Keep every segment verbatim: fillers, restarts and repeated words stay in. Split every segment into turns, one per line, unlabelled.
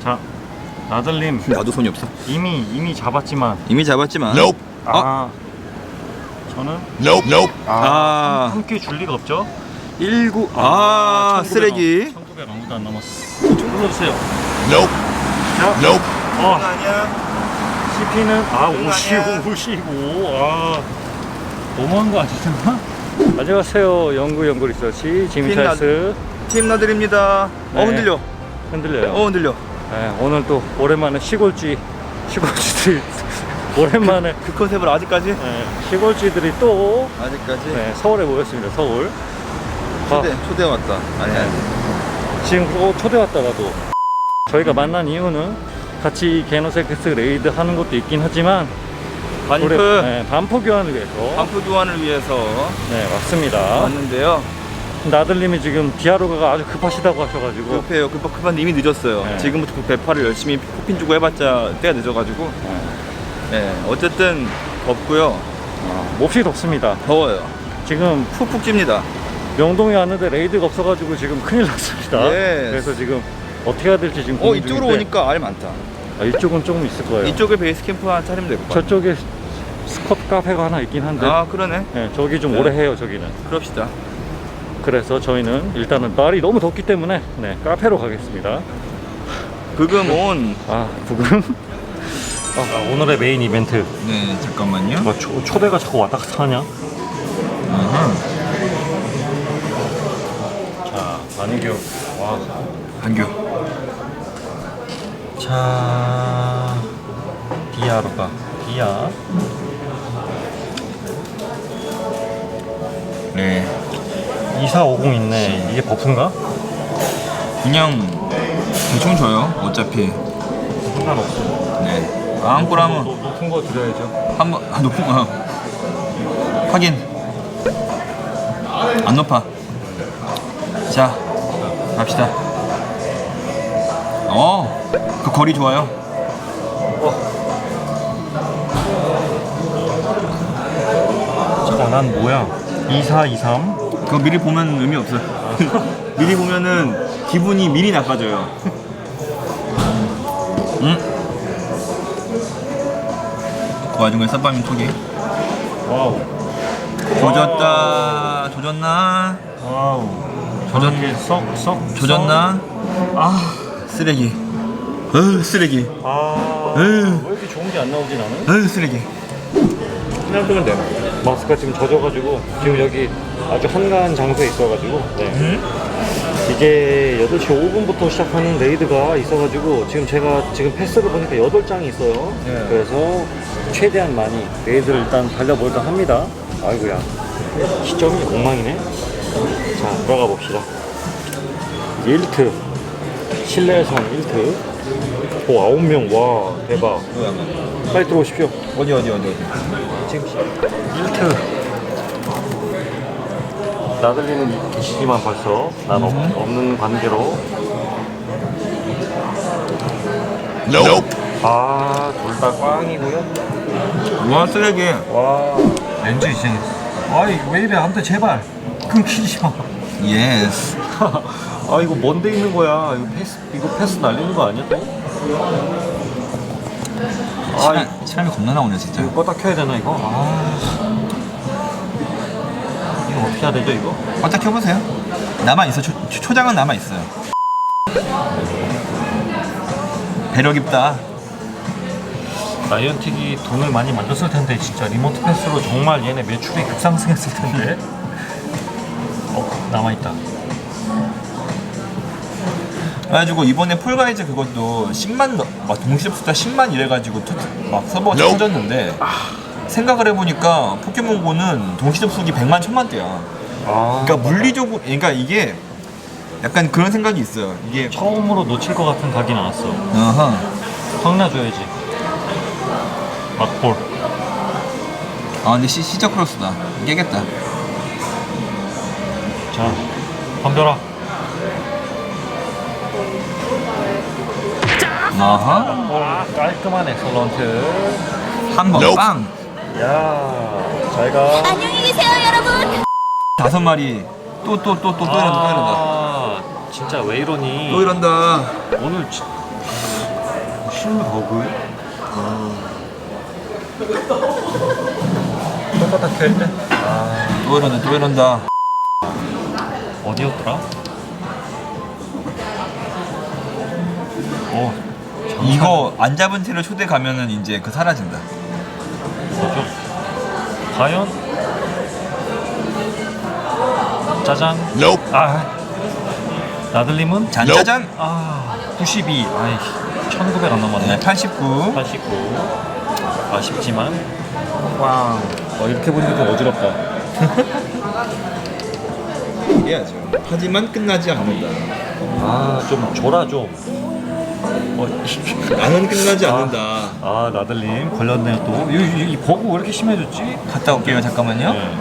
자, 나들님.
나도 손이 없어.
이미 이미 잡았지만.
이미 잡았지만.
Nope. 아,
어?
저는.
Nope, nope. 아,
아. 함께 줄 리가 없죠.
일구. 아, 아 쓰레기.
천구백 아무도 안 남았어. 좀 눌러주세요.
Nope.
자,
Nope.
어.
아니야.
씨피는 아 오십오, 오십오. 아, 너무한 거 아니잖아. 안녕하세요. 연구 연구 리서치 지미찰스
팀 나들입니다.
네.
어 흔들려.
흔들려요.
어 흔들려.
네, 오늘 또 오랜만에 시골쥐 시골쥐들이 오랜만에
그, 그 컨셉을 아직까지?
네, 시골쥐들이 또
아직까지?
네, 서울에 모였습니다. 서울.
초대
아,
초대 왔다. 아니야.
네. 지금 또 초대 왔다가도 저희가 만난 이유는 같이 게노세크스 레이드 하는 것도 있긴 하지만
반프
우리, 네, 반포 교환을 위해서
반프 교환을 위해서
네 왔습니다.
왔는데요.
나들님이 지금 디아로가가 아주 급하시다고 하셔가지고
급해요. 급하 급한데 이미 늦었어요.
네.
지금부터 그 배파를 열심히 코핀 주고 해봤자 때가 늦어가지고.
네.
네. 어쨌든 덥고요.
아, 몹시 덥습니다.
더워요.
지금
푹푹 찝니다.
명동에 왔는데 레이드가 없어가지고 지금 큰일 났습니다.
예.
그래서 지금 어떻게 해야 될지 지금
어
고민
이쪽으로
중인데,
오니까 알 많다.
아, 이쪽은 조금 있을 거예요.
이쪽에 베이스 캠프 하나 차리면 될 것 같아.
저쪽에 스쿼트 카페가 하나 있긴 한데
아 그러네.
네, 저기 좀
네.
오래 해요. 저기는.
그럽시다.
그래서 저희는 일단은 날이 너무 덥기 때문에 네, 카페로 가겠습니다.
그금 온.
아 부금. 아, 오늘의 메인 이벤트.
네 잠깐만요.
뭐 초, 초대가 자꾸 왔다 갔다 하냐? 자, 반규. 와.
반규.
자, 디아로가. 디아.
네.
이사오공 있네. 이게 버프인가?
그냥 대충 줘요. 어차피.
상관없어.
네. 앙꼬라면
높은 거 드려야죠.
한번 아, 높은 거 확인. 안 높아. 자 갑시다. 어, 그 거리 좋아요.
잠깐 난 뭐야? 이사이삼?
그거 미리 보면 의미 없어. 미리 보면은 기분이 미리 나빠져요. 응? 그 와중에 쌈밤이 토기.
와우.
조졌다. 조졌나?
와우.
조졌
이게 썩썩
조졌나?
아,
쓰레기. 어 쓰레기.
아.
에휴.
왜 이렇게 좋은 게 안 나오지 나는?
어 쓰레기.
그냥 뜨면 돼. 마스크가 지금 젖어가지고 지금 여기 아주 한가한 장소에 있어가지고 네.
응?
이게 여덟 시 오 분부터 시작하는 레이드가 있어가지고 지금 제가 지금 패스를 보니까 여덟 장이 있어요.
네.
그래서 최대한 많이 레이드를 일단 달려볼까 합니다. 아이고야, 시점이 엉망이네. 자, 들어가 봅시다. 일 트 실내선 일 트. 오, 아홉 명. 와, 대박. 빨리 들어오십시오.
어디 어디 어디 어디.
지금 일 트 나들리는 계시지만 벌써 난 없, 없는 관계로
Nope.
아, 둘 다 꽝이고요.
와 쓰레기.
와, 렌즈 이제 아이 왜 이래 안돼 제발 끊기지 마.
예스.
아 이거 뭔데 있는 거야. 이거 패스 이거 패스 날리는 거 아니야 또? 아
사람, 사람이 겁나 나오네 진짜.
이거 껐다 켜야 되나 이거? 아 이거 어떻게 해야 되죠 이거?
껐다 켜보세요. 남아 있어. 초, 초- 초장은 남아 있어요. 배려 깊다.
라이언틱이 돈을 많이 만졌을 텐데 진짜 리모트 패스로 정말 얘네 매출이 급상승했을 텐데. 어 남아있다.
그래가지고 이번에 폴가이즈 그것도 십만 넘- 막 동시 숫자 십만 이래가지고 터, 막 서버가 터졌는데 생각을 해보니까 포켓몬고는 동시 접속이 백만 천만대야.
아
그러니까 물리적으로 그러니까 이게 약간 그런 생각이 있어요. 이게
처음으로 놓칠 것 같은 각이 나왔어.
어허.
확 나줘야지. 막볼.
아 근데 시, 시작 크로스다. 깨겠다.
자, 덤벼라.
어허.
아, 깔끔한 엑설런트.
한 번 빵.
야, 잘 가.
안녕히 계세요, 여러분.
다섯 마리. 또 또 또 또 또 이런다 또 이런다.
아, 진짜 왜 이러니?
또 이런다.
오늘 지, 신버그?
똑같아 켰네. 아또 이런다 또 이런다.
어디였더라? 어,
이거 안 잡은 채로 초대 가면은 이제 그 사라진다.
뭐죠? 과연? 짜잔. 아, 나들님은?
잔짜잔.
아, 구십이. 아이, 천구백 안 넘었네.
네, 팔십구.
팔십구. 아쉽지만. 꽝. 어, 이렇게 보니까 좀 어지럽다.
해야죠. 하지만 끝나지 않는다.
아, 좀 줘라, 좀. 어,
나는 끝나지
아.
않는다.
아, 나들님 걸렸네요 또. 이, 이, 이 버그 왜 이렇게 심해졌지?
갔다 올게요. 잠깐만요.
네.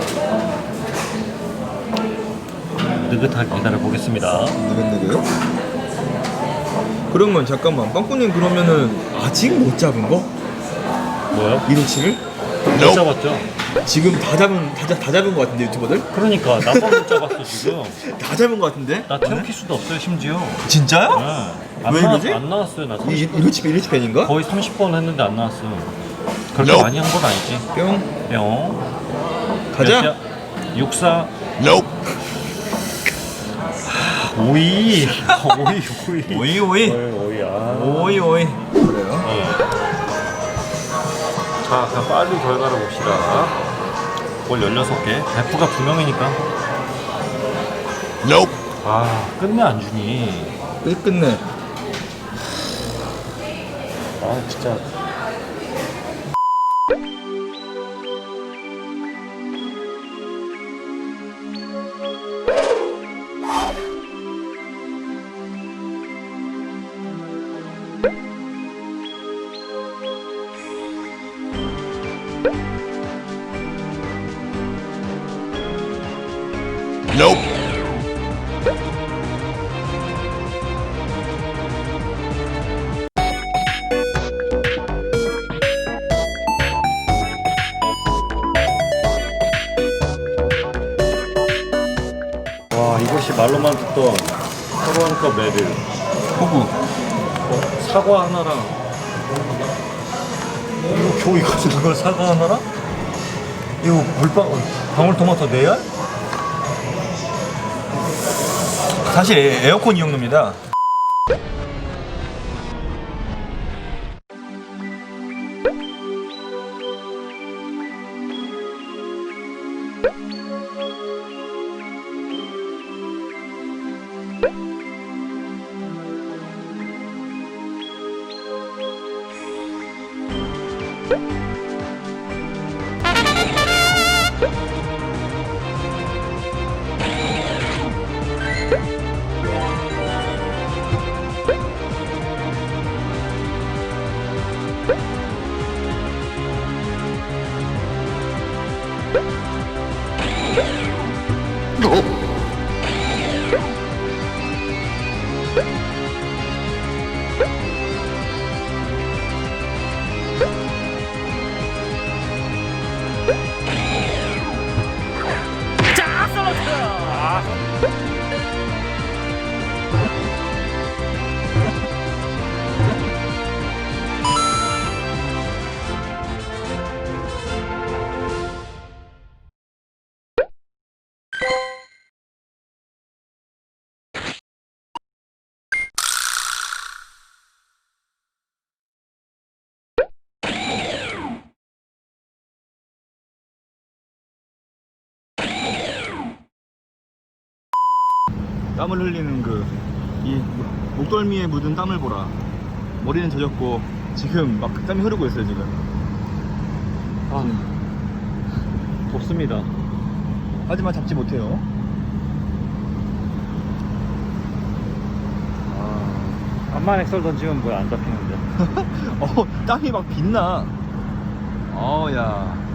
느긋하게 기다려 보겠습니다.
느긋느긋. 그러면 잠깐만 빵꾸님 그러면은 아직 못 잡은 거?
뭐요?
이로치를?
못 잡았죠?
지금 다 잡은 다, 잡- 다 잡은 거 같은데 유튜버들?
그러니까 나만 못 잡았어 지금.
다 잡은 거 같은데?
나 태우킬 수도 없어요 심지어.
진짜요?
네. 안
왜
나왔,
이러지?
안 나왔어요 나.
이
삼십,
이로치 이로치 팬인가?
거의 삼십 번 했는데 안 나왔어. 그렇게 많이 한 건 아니지.
뿅.
뿅.
가자.
육사. 오이. 오이 오이.
오이 오이
오이 오이. 아.
오이 오이. 그래요?
네. 자, 그럼 빨리 결과를 봅시다. 볼 열여섯 개. 베프가 두 명이니까. 아, 끝내 안 주니.
끝 끝내.
아, 진짜. 와, 이것이 말로만 듣던 서로원컵 레드.
호구.
어, 사과 하나랑 이거 겨우 이거 이걸 사과 하나랑 이거 물방 방울토마토 네 알?
사실 에- 에어컨 이용료입니다. 땀을 흘리는 그 이 목덜미에 묻은 땀을 보라. 머리는 젖었고 지금 막 땀이 흐르고 있어요 지금.
아, 덥습니다.
하지만 잡지 못해요.
아, 암만 엑설 던지면 뭐야 안 잡히는데.
어 땀이 막 빛나. 어야